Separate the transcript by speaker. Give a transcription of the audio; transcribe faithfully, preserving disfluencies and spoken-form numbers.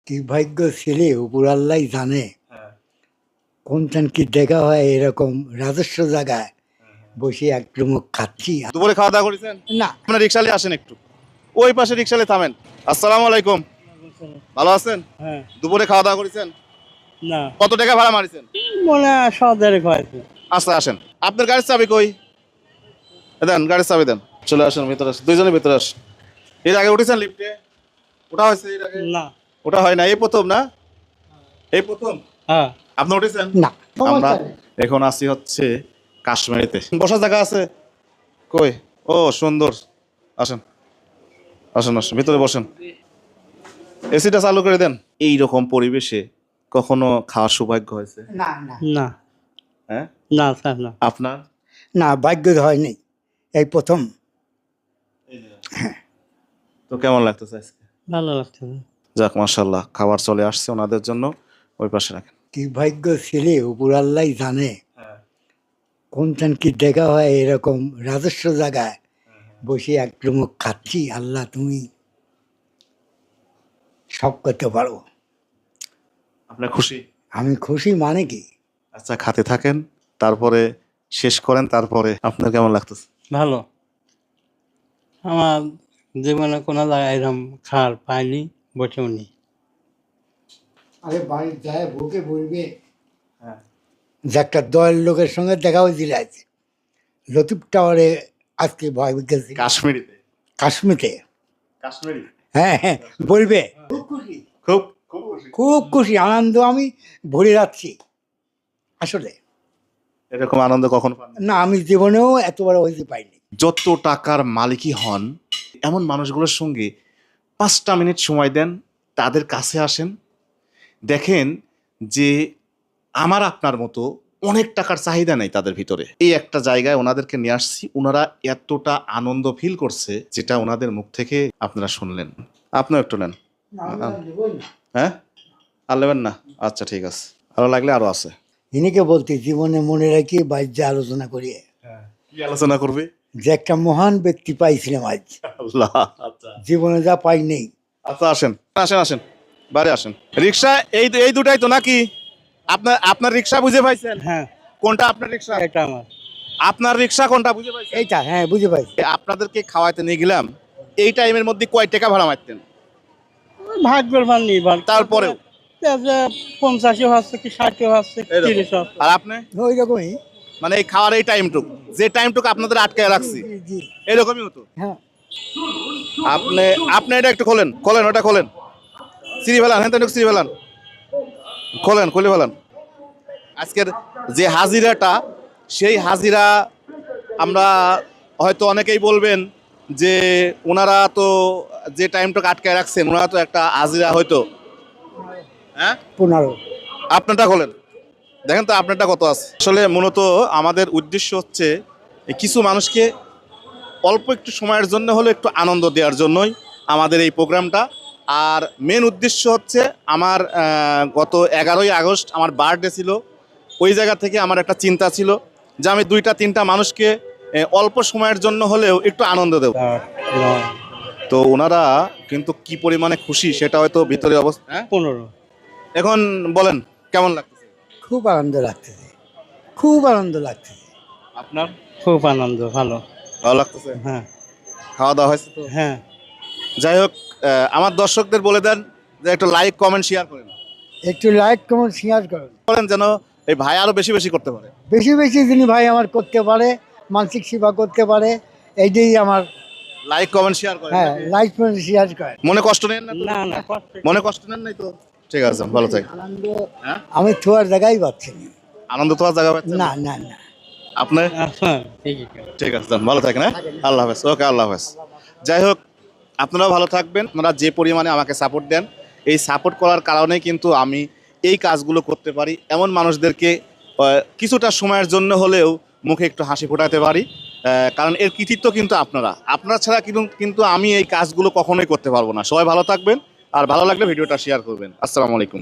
Speaker 1: কি ভাগ্য ছেলে উপর আল্লাহ জানে।
Speaker 2: হ্যাঁ,
Speaker 1: কোনখান কি দেখা হয় এরকম রাজস্ব জায়গায় বসে এক চুমুক খাচ্ছি।
Speaker 2: দুপুরে খাওয়া দাওয়া করেছেন?
Speaker 1: না,
Speaker 2: আপনার রিক্সালে আসেন একটু, ওই পাশে রিক্সালে থামেন। আসসালামু আলাইকুম, ভালো আছেন?
Speaker 3: হ্যাঁ,
Speaker 2: দুপুরে খাওয়া দাওয়া করেছেন?
Speaker 3: না
Speaker 2: কত টাকা ভাড়া মারিছেন?
Speaker 3: মনে হয় সদেরক হয়েছে।
Speaker 2: আচ্ছা আসেন, আপনার গাড়ির চাবি কই? এ দেন, গাড়ির চাবি দেন। চলে আসেন ভিতরে, আসেন দুইজনের ভিতরে আসেন। এর আগে উঠেছেন লিফটে? ওটা হয়েছে এর আগে?
Speaker 3: না,
Speaker 2: ওটা হয় না, এই প্রথম না? এই প্রথম
Speaker 3: হ্যাঁ,
Speaker 2: আপনি উঠেছেন?
Speaker 1: না
Speaker 2: আমরা এখন আসি হচ্ছে কাশ্মীরিতে। বসার জায়গা আছে কই? ও সুন্দর, আসেন আসেন আসেন ভিতরে বসেন, এসিটা চালু করে দেন। এই রকম পরিবেশে কখনো খাওয়ার সৌভাগ্য হয়েছে?
Speaker 1: না না
Speaker 3: না,
Speaker 2: হ্যাঁ,
Speaker 3: না স্যার, না।
Speaker 2: আপনার?
Speaker 1: না, ভাগ্য হয়নি, এই প্রথম।
Speaker 2: তো কেমন লাগতেছে আজকে?
Speaker 3: ভালো লাগছে।
Speaker 2: যাক মাশাআল্লাহ, খাবার চলে আসছে ওনাদের জন্য, ওই পাশে রাখেন।
Speaker 1: কি ভাগ্য ছেলে উপর আল্লাহ জানে। কোনখান কি দেখা হয় এরকম রাজস্ব জায়গায় বসে এক চুমুক খাচ্ছি। আল্লাহ তুমি সব করতে পারো।
Speaker 2: আপনার খুশি?
Speaker 1: আমি খুশি মানে কি,
Speaker 2: আচ্ছা খাতে থাকেন, তারপরে শেষ করেন, তারপরে আপনার কেমন লাগতেছে?
Speaker 3: ভালো। আমার জীবনে কোনো জায়গায় এরকম খাওয়ার পাইনি, বসেও নি।
Speaker 1: আরে বাড়ির যায় বুকে বলবে
Speaker 2: হ্যাঁ,
Speaker 1: যে একটা দয়ের লোকের সঙ্গে দেখা হয়েছিল আজ লতিফ টাওয়ারে। আজকে ভয় গেছি
Speaker 2: কাশ্মীরিতে।
Speaker 1: কাশ্মীরে।
Speaker 2: কাশ্মীরি
Speaker 1: হ্যাঁ হ্যাঁ, বলবে খুব খুশি,
Speaker 2: খুব খুব খুশি।
Speaker 1: খুব খুশি, আনন্দ আমি ভরে যাচ্ছি আসলে।
Speaker 2: এরকম আনন্দ কখন পান?
Speaker 1: না, আমি জীবনেও এত বড় হইতে পাইনি।
Speaker 2: যত টাকার মালিকই হন, এমন মানুষগুলোর সঙ্গে পাঁচটা মিনিট সময় দেন, তাদের কাছে আসেন, দেখেন যে আমার আপনার মতো অনেক টাকার চাহিদা নেই তাদের ভিতরে। এই একটা জায়গায় ওনাদেরকে নিয়ে আসছি, ওনারা এতটা আনন্দ ফিল করছে যেটা ওনাদের মুখ থেকে আপনারা শুনলেন। আপনিও একটু নেন। হ্যাঁ, আর নেবেন না? আচ্ছা ঠিক আছে, আরো লাগলে আরো আছে।
Speaker 1: ইনিকে বলতে জীবনে মনে রাখি বাজ্যে আলোচনা করি
Speaker 2: কি আলোচনা করবে?
Speaker 1: যে একটা মহান ব্যক্তি পাইছিলাম আজ,
Speaker 2: আল্লাহ, আচ্ছা
Speaker 1: জীবনে যা পাই নেই।
Speaker 2: আচ্ছা আসেন আসেন আসেন, বাড়ি আসেন। রিক্সা এই এই দুটাই তো নাকি? আপনার আপনার রিক্সা বুঝে পাইছেন?
Speaker 3: হ্যাঁ,
Speaker 2: কোনটা আপনার রিক্সা?
Speaker 3: এটা আমার।
Speaker 2: আপনার রিক্সা কোনটা বুঝে পাইছেন?
Speaker 1: এইটা হ্যাঁ বুঝে পাইছি।
Speaker 2: আপনাদেরকে খাওয়াইতে নিয়ে গেলাম, এই টাইমের মধ্যে কয় টাকা ভাড়া মারতেন?
Speaker 3: ওই ভাগ্যের মান নির্ভর।
Speaker 2: তারপরেও?
Speaker 3: যে পঞ্চাশও হচ্ছে কি ষাটও হচ্ছে,
Speaker 2: এরকম।
Speaker 3: তিরিশ হচ্ছে।
Speaker 2: আর আপনি?
Speaker 1: ওই রকমই।
Speaker 2: মানে এই খাওয়ার এই টাইমটুকু, যে টাইমটুকু আপনাদের আটকায় রাখছি,
Speaker 1: জি জি
Speaker 2: এরকমই হতো?
Speaker 1: হ্যাঁ।
Speaker 2: আপনি আপনি এটা একটু খোলেন, খোলেন ওটা খোলেন, সিঁড়ি ফেলান, হ্যাঁ একটু সিঁড়ি ফেলান, খোলেন খুলে ফেলান। আজকের যে হাজিরাটা, সেই হাজিরা আমরা হয়তো অনেকেই বলবেন যে ওনারা তো যে টাইমটা আটকায় রাখছেন, ওনারা তো একটা হাজিরা হয়তো। হ্যাঁ,
Speaker 1: পনেরো।
Speaker 2: আপনারটা খোলেন, দেখেন তো আপনারটা কত আছে। আসলে মূলত আমাদের উদ্দেশ্য হচ্ছে এই কিছু মানুষকে অল্প একটু সময়ের জন্য হলে একটু আনন্দ দেওয়ার জন্যই আমাদের এই প্রোগ্রামটা। আর মেন উদ্দেশ্য হচ্ছে আমার আহ, গত এগারোই আগস্ট আমার বার্থডে ছিল, ওই জায়গা থেকে আমার একটা চিন্তা ছিল যে আমি দুইটা তিনটা মানুষকে আহ, অল্প সময়ের জন্য হলেও একটু আনন্দ দেব।
Speaker 3: আট, নয়,
Speaker 2: তো ওনারা কিন্তু কি পরিমাণে খুশি সেটা হয়তো ভিতরে অবস্থা। হ্যাঁ,
Speaker 3: পনেরো।
Speaker 2: এখন বলেন কেমন লাগতেছে?
Speaker 1: খুব আনন্দ লাগতেছে, খুব আনন্দ লাগতেছে।
Speaker 2: আপনার
Speaker 3: খুব আনন্দ, ভালো।
Speaker 2: ভালো লাগতেছে?
Speaker 3: হ্যাঁ,
Speaker 2: খাওয়া দাওয়া হয়েছে তো?
Speaker 3: হ্যাঁ।
Speaker 2: যাই হোক, আহ, আমার দর্শকদের বলে দেন যে একটু লাইক কমেন্ট শেয়ার করেন,
Speaker 1: একটু লাইক কমেন্ট শেয়ার করেন,
Speaker 2: করেন যেন এই ভাই আরো বেশি বেশি করতে পারে।
Speaker 1: বেশি বেশি যিনি ভাই আমার করতে পারে, মানসিক সেবা করতে পারে, এইটাই আমার।
Speaker 2: লাইক কমেন্ট শেয়ার করেন
Speaker 1: হ্যাঁ,
Speaker 2: নাকি?
Speaker 1: লাইক কমেন্ট শেয়ার করেন।
Speaker 2: মনে কষ্ট নেন না তো?
Speaker 3: না না, কষ্ট।
Speaker 2: মনে কষ্ট নেন নাই তো? ঠিক আছে, ভালো থাকেন।
Speaker 1: আনন্দ
Speaker 2: হ্যাঁ,
Speaker 1: আমি থোয়ার জায়গায় পাচ্ছি না।
Speaker 2: আনন্দ তো আর জায়গা পাচ্ছেন
Speaker 1: না
Speaker 2: না?
Speaker 1: না না।
Speaker 2: আপনি?
Speaker 3: আচ্ছা, ঠিক আছে।
Speaker 2: ঠিক আছে, যান, ভালো থাকেন। হ্যাঁ, আল্লাহ হাফেজ। ওকে, আল্লাহ হাফেজ। যাই হোক, আপনারাও ভালো থাকবেন। আপনারা যে পরিমাণে আমাকে সাপোর্ট দেন, এই সাপোর্ট করার কারণেই কিন্তু আমি এই কাজগুলো করতে পারি, এমন মানুষদেরকে আহ, কিছুটা সময়ের জন্য হলেও মুখে একটু হাসি ফোটাতে পারি। আহ, কারণ এর কৃতিত্ব কিন্তু আপনারা, আপনারা ছাড়া কিন্তু কিন্তু আমি এই কাজগুলো কখনোই করতে পারবো না। সবাই ভালো থাকবেন, আর ভালো লাগলে ভিডিওটা শেয়ার করবেন। আসসালামু আলাইকুম।